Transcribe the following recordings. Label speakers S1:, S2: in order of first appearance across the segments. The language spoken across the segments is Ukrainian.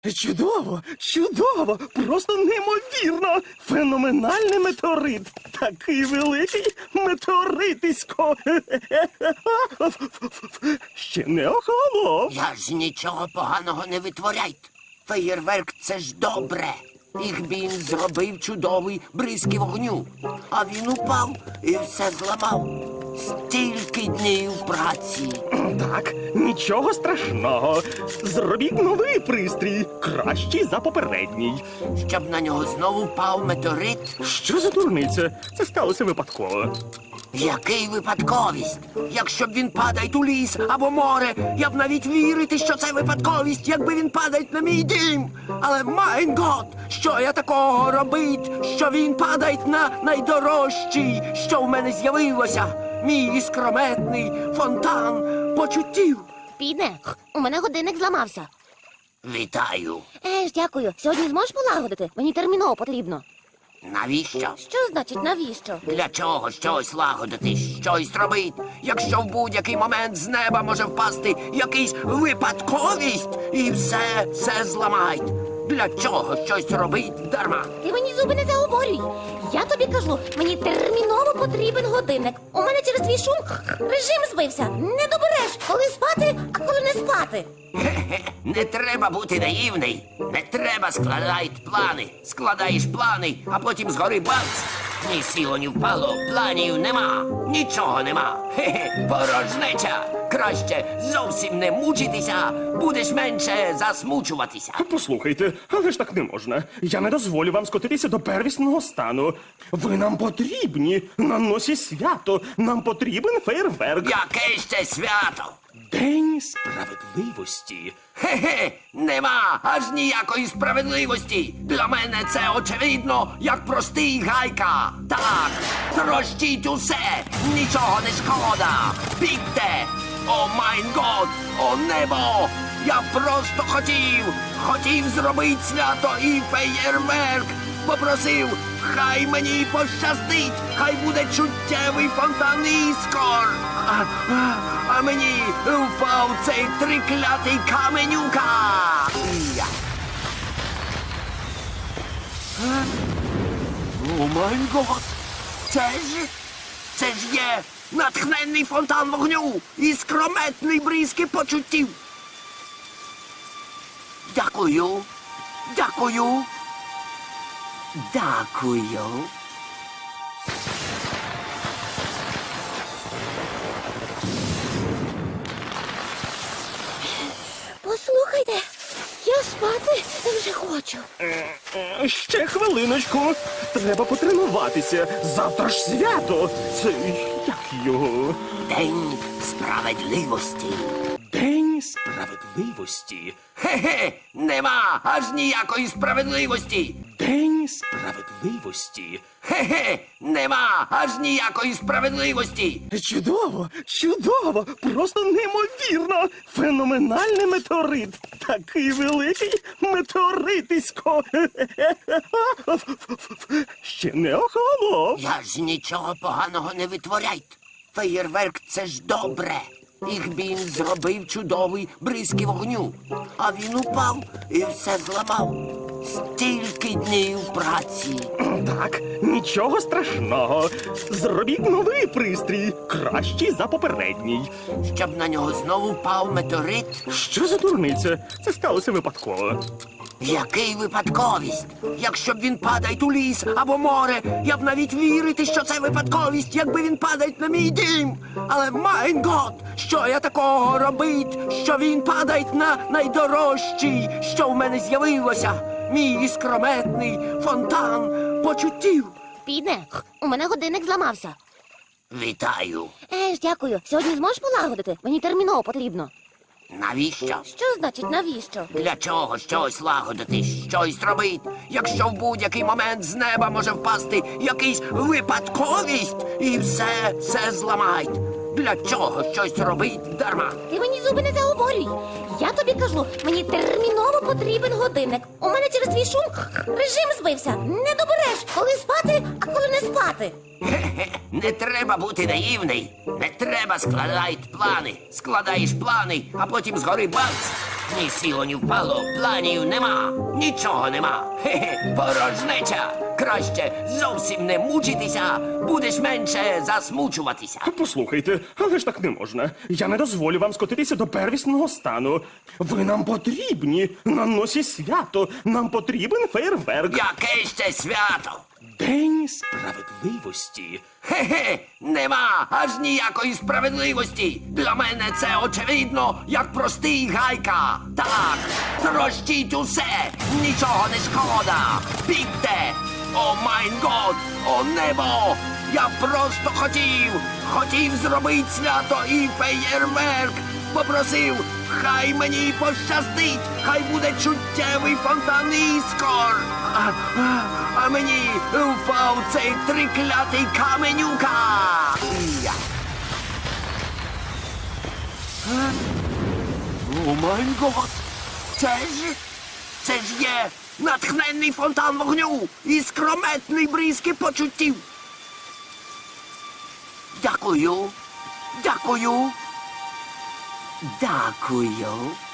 S1: Чудово, чудово, просто неймовірно. Феноменальний метеорит. Такий великий метеоритисько. Ще не охолонув.
S2: Я ж нічого поганого не витворяйте. Феєрверк – це ж добре. Їх він зробив чудовий бризки вогню. А він упав і все зламав. Стільки днів праці.
S1: Так, нічого страшного. Зробіть новий пристрій, кращий за попередній.
S2: Щоб на нього знову впав метеорит.
S1: Що за дурниця? Це сталося випадково.
S2: Який випадковість? Якщо б він падає у ліс або море, я б навіть вірити, що це випадковість, якби він падає на мій дім. Але, майн гот, що я такого робить, що він падає на найдорожчий, що в мене з'явилося? Мій іскрометний фонтан почуттів.
S3: Піде, у мене годинник зламався.
S2: Вітаю.
S3: Дякую. Сьогодні зможеш полагодити? Мені терміново потрібно.
S2: Навіщо?
S3: Що значить навіщо?
S2: Для чого щось лагодити, щось робить, якщо в будь-який момент з неба може впасти якийсь випадковість і все зламають? Для чого щось робить дарма?
S3: Ти мені зуби не заговорюй. Я тобі кажу, мені терміново потрібен годинник. У мене через твій шум режим збився. Не добереш, коли спати, а коли не спати.
S2: Хе-хе, не треба бути наївний. Не треба складати плани. Складаєш плани, а потім згори бац. Ні сіло, ні впало, планів нема. Нічого нема. Хе-хе, порожнеча. Краще зовсім не мучитися, будеш менше засмучуватися.
S1: Послухайте, але ж так не можна. Я не дозволю вам скотитися до первісного стану. Ви нам потрібні. На носі свято. Нам потрібен фейерверк.
S2: Яке ще свято?
S1: День справедливості.
S2: Хе-хе, нема аж ніякої справедливості. Для мене це очевидно, як простий гайка. Так, трощіть усе, нічого не шкода. Бігте! О майн год, о небо! Я просто хотів зробити свято і феєрверк. Попросив, хай мені пощастить, хай буде чуттєвий фонтан іскор. А мені впав цей триклятий каменюка. Я. О май гот! Це ж є натхненний фонтан вогню і скрометний бризки почуттів. Дякую. Дякую. Дякую.
S3: Послухайте, я спати вже хочу.
S1: Ще хвилиночку. Треба потренуватися. Завтра ж свято. Це як його?
S2: День справедливості.
S1: День справедливості.
S2: Хе-хе, нема аж ніякої справедливості.
S1: День справедливості.
S2: Хе-хе, нема аж ніякої справедливості.
S1: Чудово, чудово, просто неймовірно. Феноменальний метеорит. Такий великий метеоритисько. Ще не охолонув.
S2: Я ж нічого поганого не витворяйте. Феєрверк – це ж добре. Їх він зробив чудовий бризки вогню. А він упав і все зламав. Стільки днів праці.
S1: Так, нічого страшного. Зробіть новий пристрій, кращий за попередній.
S2: Щоб на нього знову впав метеорит.
S1: Що за дурниця? Це сталося випадково.
S2: Який випадковість? Якщо б він падає у ліс або море, я б навіть вірити, що це випадковість, якби він падає на мій дім. Але, майн гот, що я такого робить, що він падає на найдорожчий, що в мене з'явилося? Мій іскрометний фонтан почуттів.
S3: Піде, у мене годинник зламався.
S2: Вітаю.
S3: Дякую. Сьогодні зможеш полагодити? Мені терміново потрібно.
S2: Навіщо?
S3: Що значить навіщо?
S2: Для чого щось лагодити, щось робить, якщо в будь-який момент з неба може впасти якийсь випадковість і все зламають? Для чого щось робить дарма?
S3: Ти мені зуби не заговорюй. Я тобі кажу, мені терміново потрібен годинник. У мене через твій шум режим збився. Не добереш, коли спати, а коли не спати.
S2: Хе-хе, не треба бути наївний. Не треба складати плани. Складаєш плани, а потім згори бац. Ні сіло, ні впало, планів нема, нічого нема. Хе-хе, порожнеча. Краще зовсім не мучитися, будеш менше засмучуватися.
S1: Послухайте, але ж так не можна. Я не дозволю вам скотитися до первісного стану. Ви нам потрібні на носі свято. Нам потрібен фейерверк.
S2: Яке ще свято?
S1: День справедливості.
S2: Хе-хе, нема аж ніякої справедливості. Для мене це очевидно, як простий гайка. Так, трощіть усе, нічого не шкода. Бігте! О майн год, о небо! Я просто хотів зробити свято і феєрверк. Попросив, хай мені пощастить, хай буде чуттєвий фонтан іскор. А мені впав цей триклятий каменюка. Я. О май гот! Це ж є натхненний фонтан вогню і скрометний бризки почуттів. Дякую. Дякую. Дякую.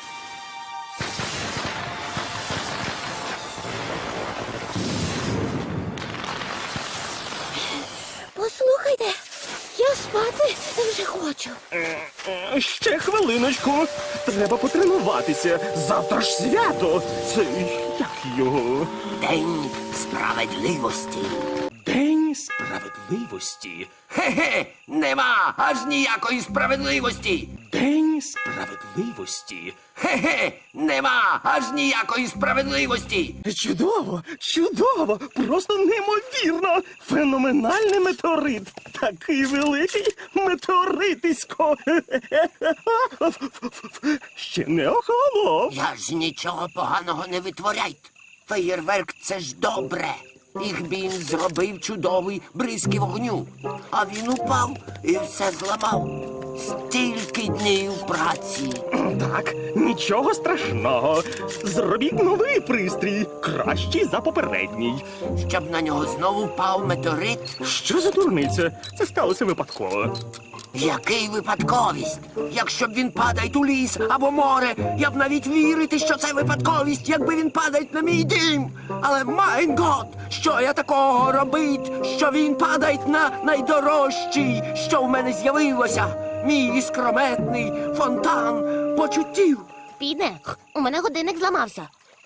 S3: Послухайте, я спати вже хочу.
S1: Ще хвилиночку. Треба потренуватися. Завтра ж свято. Це як його?
S2: День справедливості.
S1: День справедливості.
S2: Хе-хе, нема аж ніякої справедливості.
S1: День справедливості.
S2: Хе-хе, нема аж ніякої справедливості.
S1: Чудово, чудово, просто неймовірно. Феноменальний метеорит. Такий великий метеоритисько. Ще не охолонув.
S2: Я ж нічого поганого не витворяйте. Феєрверк це ж добре. Їх він зробив чудовий бризки вогню. А він упав і все зламав. Стільки днів праці.
S1: Так, нічого страшного. Зробіть новий пристрій, кращий за попередній.
S2: Щоб на нього знову впав метеорит.
S1: Що за дурниця? Це сталося випадково.
S2: Який випадковість? Якщо б він падає у ліс або море, я б навіть вірити, що це випадковість, якби він падає на мій дім. Але майн гот, що я такого робить, що він падає на найдорожчий, що в мене з'явилося. Мій іскрометний фонтан почуттів.
S3: Піде, у мене годинник зламався.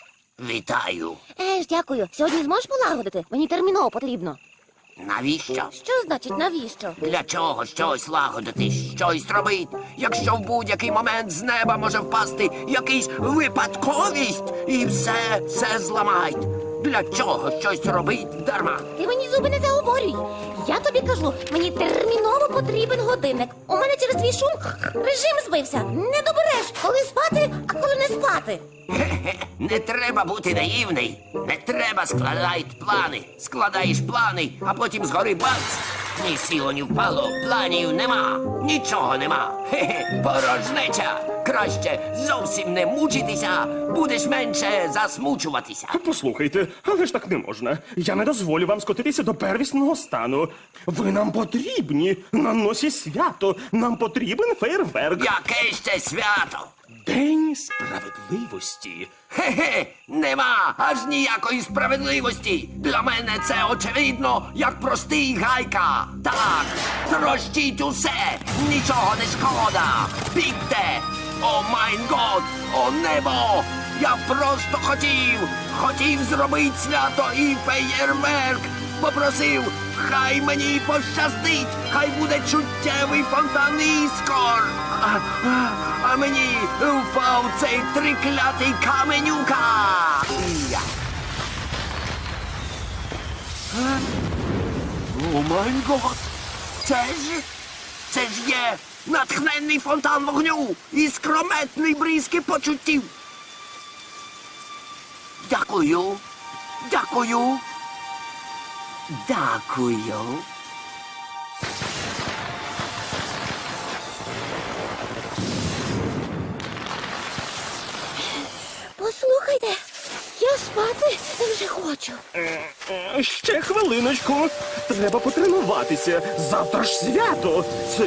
S2: Вітаю.
S3: Дякую. Сьогодні зможеш полагодити? Мені терміново потрібно.
S2: Навіщо?
S3: Що значить навіщо?
S2: Для чого щось лагодити, щось робити, якщо в будь-який момент з неба може впасти якийсь випадковість і все зламають? Для чого щось робить дарма?
S3: Ти мені зуби не заговорюй. Я тобі кажу, мені терміново потрібен годинник. У мене через твій шум режим збився. Не добереш, коли спати, а коли не спати.
S2: Хе-хе, не треба бути наївний. Не треба складати плани. Складаєш плани, а потім згори бац. Ні сіло, ні впало, планів нема, нічого нема. Хе-хе, порожнеча. Краще зовсім не мучитися, будеш менше засмучуватися.
S1: Послухайте, але ж так не можна. Я не дозволю вам скотитися до первісного стану. Ви нам потрібні на носі свято. Нам потрібен фейерверк.
S2: Яке ще свято?
S1: День справедливості.
S2: Хе-хе, нема аж ніякої справедливості. Для мене це очевидно, як простий гайка. Так, трощіть усе, нічого не шкода. Бігте! О майн год, о небо! Я просто хотів зробити свято і феєрверк. Попросив, хай мені пощастить, хай буде чуттєвий фонтан іскор. А мені впав цей триклятий каменюка. Я. О май гот! Це ж є натхненний фонтан вогню і скрометний бризки почуттів. Дякую. Дякую. Дякую.
S3: Послухайте, я Спати вже хочу.
S1: Ще хвилиночку. Треба потренуватися. Завтра ж свято. Це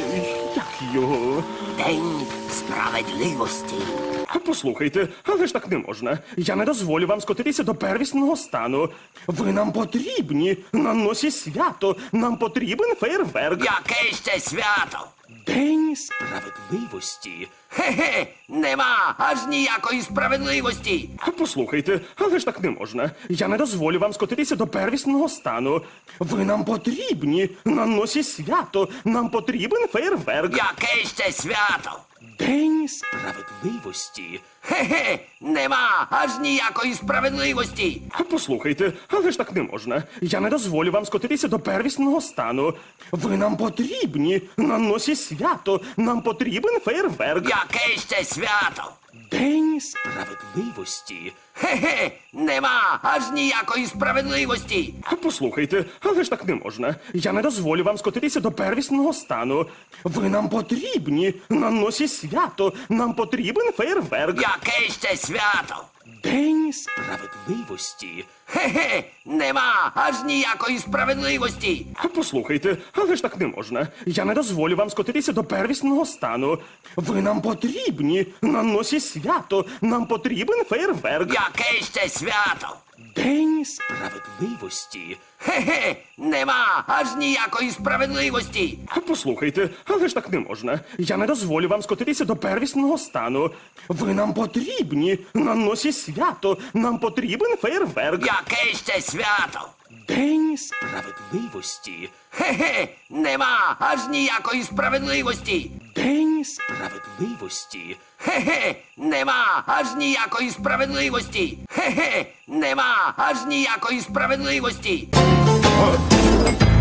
S1: як його?
S2: День справедливості.
S1: Послухайте, але ж так не можна. Я не дозволю вам скотитися до первісного стану. Ви нам потрібні. На носі свято. Нам потрібен фейерверк.
S2: Яке ще свято?
S1: День справедливості.
S2: Хе-хе, нема аж ніякої справедливості.
S1: Послухайте, але ж так не можна. Я не дозволю вам скотитися до первісного стану. Ви нам потрібні. На носі свято. Нам потрібен фейерверк.
S2: Яке ще свято?
S1: День справедливості.
S2: Хе-хе, нема аж ніякої справедливості.
S1: Послухайте, але ж так не можна. Я не дозволю вам скотитися до первісного стану. Ви нам потрібні. На носі свято. Нам потрібен фейерверк.
S2: Яке ще свято?
S1: День справедливості.
S2: Хе-хе, нема аж ніякої справедливості.
S1: Послухайте, але ж так не можна. Я не дозволю вам скотитися до первісного стану. Ви нам потрібні. На носі свято. Нам потрібен фейерверк.
S2: Яке ще свято?
S1: День справедливості.
S2: Хе-хе, нема аж ніякої справедливості.
S1: Послухайте, але ж так не можна. Я не дозволю вам скотитися до первісного стану. Ви нам потрібні. На носі свято. Нам потрібен фейерверк.
S2: Яке ще свято?
S1: День справедливості.
S2: Хе-хе, нема аж ніякої справедливості.
S1: Послухайте, але ж так не можна. Я не дозволю вам скотитися до первісного стану. Ви нам потрібні. На носі свято. Нам потрібен фейерверк.
S2: Яке ще свято?
S1: День справедливості.
S2: Хе-хе, нема аж ніякої справедливості.
S1: День справедливості.
S2: Хе-хе, нема аж ніякої справедливості. Хе-хе, нема аж ніякої справедливості.